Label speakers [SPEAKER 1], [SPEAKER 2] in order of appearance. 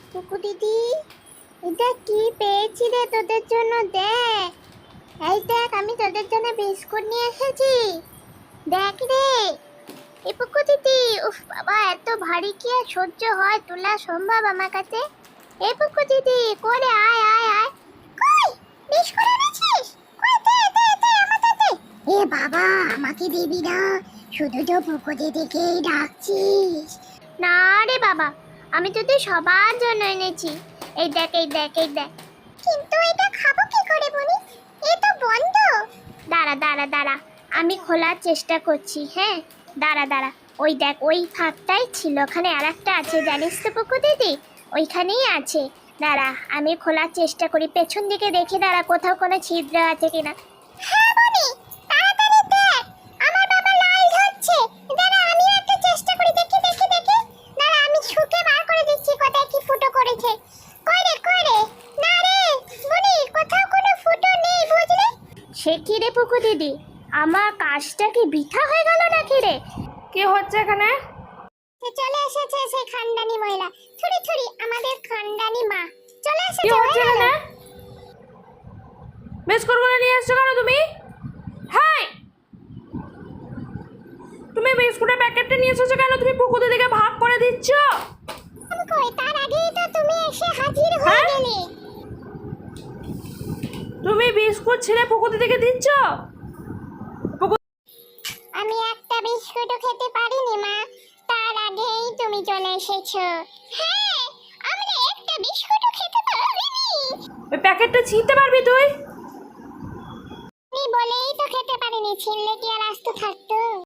[SPEAKER 1] টুকু দিদি, এটা কি পেয়েছি রে তোদের জন্য, দেখ। এই দেখ, আমি তোদের জন্য বিস্কুট নিয়ে এসেছি। দেখ রে, এই পুকু দিদি, উফ বাবা, এত ভারী কি আর সহ্য হয়, তোলা সম্ভব আমার কাছে? এই পুকু দিদি, করে আয় আয় আয়। কই বিস্কুট এনেছিস? কই, দে দে দে, আমাকে দে। এ বাবা, আমাকে দিবি না? শুধু তো পুকু দিদিকেই ডাকছিস। না রে বাবা, আমি তোদের সবার জন্য এনেছি। এই দেখ এই দেখ এই দেখ। কিন্তু এটা খাবো কি করে বলি? এ তো বন্ধ। দাঁড়া দাঁড়া দাঁড়া, আমি খোলার চেষ্টা করছি। হ্যাঁ, দাঁড়া দাঁড়া। ওই দেখ, ওই ফাঁকটাই ছিল, ওখানে আরেকটা আছে, জানিস তো পুকু দিদি? ওইখানেই আছে। দাঁড়া, আমি খোলার চেষ্টা করি, পেছন দিকে দেখি, দাঁড়া কোথাও কোনো ছিদ্র আছে কিনা। হ্যাঁ বনি, তাড়াতাড়ি দেখ, আমার বাবা লাল ধরছে। দাঁড়া, আমি একটা চেষ্টা করি, দেখি দেখি দেখি। দাঁড়া, আমি ছুঁকে বার করে দিচ্ছি কোথায় কি ফুটো করেছে। কই রে কই রে? না রে বনি, কোথাও কোনো ফুটো নেই, বুঝলি? সে কি রে পুকু দিদি, আমার কাজটা কি বৃথা হয়ে গেল নাকি রে?
[SPEAKER 2] কি হচ্ছে এখানে?
[SPEAKER 1] চলে এসেছে সেই খানদানি মহিলা, থুড়ি থুড়ি আমাদের খানদানি মা চলে
[SPEAKER 2] কি
[SPEAKER 1] এসেছে।
[SPEAKER 2] হচ্ছে এখানে? বিস্কুটগুলো নিয়ে এসছো কেন তুমি? হাই, তুমি বিস্কুটের প্যাকেটটা নিয়ে এসেছো কেন? তুমি পুকুর দিকে ভাগ করে দিচ্ছ।
[SPEAKER 1] কই, তার আগেই তো তুমি এসে হাজির হয়ে গেলে।
[SPEAKER 2] তুমি বিস্কুট ছেড়ে পুকুর দিকে দিচ্ছ।
[SPEAKER 1] আমি একটা বিস্কুটও খেতে পারিনি মা, তার আগেই তুমি চলে এসেছো। হ্যাঁ, আমরা একটা বিস্কুটও খেতে পারিনি।
[SPEAKER 2] ওই প্যাকেটটা ছিঁড়তে পারবি তুই?
[SPEAKER 1] তুমি বলেই তো খেতে পারিনি, ছিনলে কি আর আস্ত থাকতো?